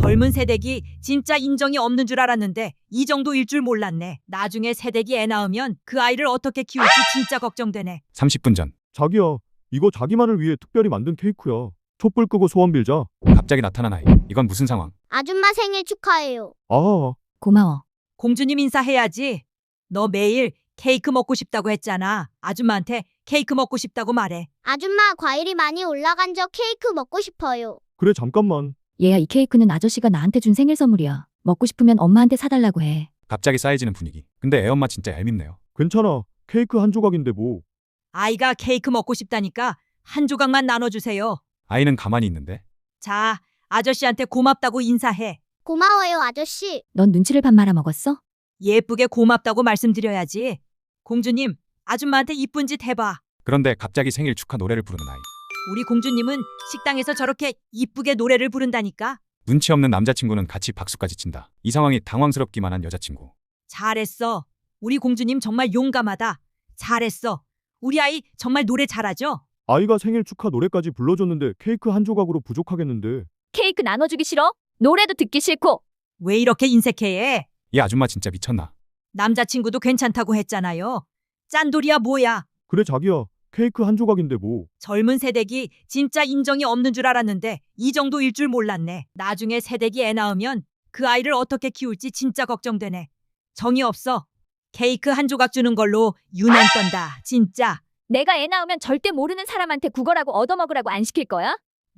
젊은 새댁이 진짜 인정이 없는 줄 알았는데 이 정도일 줄 몰랐네. 나중에 새댁이 애 낳으면 그 아이를 어떻게 키울지 진짜 걱정되네. 30분 전 자기야, 이거 자기만을 위해 특별히 만든 케이크야. 촛불 끄고 소원 빌자. 갑자기 나타난 아이. 이건 무슨 상황? 아줌마 생일 축하해요. 아, 고마워. 공주님 인사해야지. 너 매일 케이크 먹고 싶다고 했잖아. 아줌마한테 케이크 먹고 싶다고 말해. 아줌마 과일이 많이 올라간 저 케이크 먹고 싶어요. 그래 잠깐만. 얘야, 이 케이크는 아저씨가 나한테 준 생일 선물이야. 먹고 싶으면 엄마한테 사달라고 해. 갑자기 쌓여지는 분위기. 근데 애엄마 진짜 얄밉네요. 괜찮아. 케이크 한 조각인데 뭐. 아이가 케이크 먹고 싶다니까 한 조각만 나눠주세요. 아이는 가만히 있는데 자, 아저씨한테 고맙다고 인사해. 고마워요, 아저씨. 넌 눈치를 반 말아 먹었어? 예쁘게 고맙다고 말씀드려야지. 공주님, 아줌마한테 이쁜 짓 해봐. 그런데 갑자기 생일 축하 노래를 부르는 아이. 우리 공주님은 식당에서 저렇게 이쁘게 노래를 부른다니까. 눈치 없는 남자친구는 같이 박수까지 친다. 이 상황이 당황스럽기만 한 여자친구. 잘했어. 우리 공주님 정말 용감하다. 잘했어. 우리 아이 정말 노래 잘하죠? 아이가 생일 축하 노래까지 불러줬는데 케이크 한 조각으로 부족하겠는데. 케이크 나눠주기 싫어? 노래도 듣기 싫고. 왜 이렇게 인색해? 이 아줌마 진짜 미쳤나? 남자친구도 괜찮다고 했잖아요. 짠돌이야 뭐야. 그래 자기야, 케이크 한 조각인데 뭐. 젊은 새댁이 진짜 인정이 없는 줄 알았는데 이 정도일 줄 몰랐네. 나중에 새댁이 애 낳으면 그 아이를 어떻게 키울지 진짜 걱정되네. 정이 없어. 케이크 한 조각 주는 걸로 유난 떤다. 진짜. 내가 애 낳으면 절대 모르는 사람한테 구걸하고 얻어먹으라고 안 시킬 거야?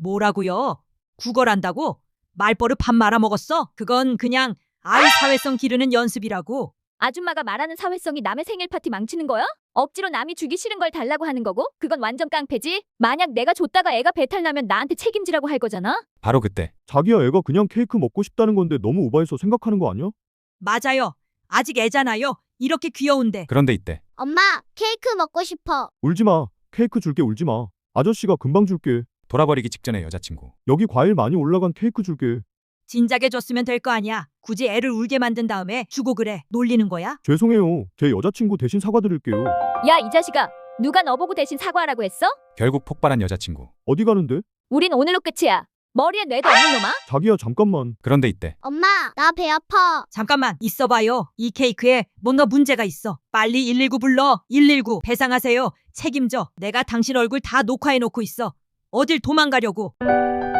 뭐라고요? 구걸한다고? 말버릇 밥 말아먹었어? 그건 그냥 아이 사회성 기르는 연습이라고. 아줌마가 말하는 사회성이 남의 생일 파티 망치는 거야? 억지로 남이 주기 싫은 걸 달라고 하는 거고? 그건 완전 깡패지? 만약 내가 줬다가 애가 배탈 나면 나한테 책임지라고 할 거잖아? 바로 그때 자기야, 애가 그냥 케이크 먹고 싶다는 건데 너무 오바해서 생각하는 거 아니야? 맞아요. 아직 애잖아요. 이렇게 귀여운데. 그런데 이때 엄마, 케이크 먹고 싶어. 울지 마. 케이크 줄게, 울지 마. 아저씨가 금방 줄게. 돌아버리기 직전의 여자친구. 여기 과일 많이 올라간 케이크 줄게. 진작에 줬으면 될 거 아니야. 굳이 애를 울게 만든 다음에 주고 그래. 놀리는 거야? 죄송해요. 제 여자친구 대신 사과드릴게요. 야, 이 자식아. 누가 너보고 대신 사과하라고 했어? 결국 폭발한 여자친구. 어디 가는데? 우린 오늘로 끝이야. 머리에 뇌도 없는 놈아? 자기야, 잠깐만. 그런데 이때 엄마, 나 배 아파. 잠깐만 있어봐요. 이 케이크에 뭔가 문제가 있어. 빨리 119 불러. 119 배상하세요. 책임져. 내가 당신 얼굴 다 녹화해놓고 있어. 어딜 도망가려고.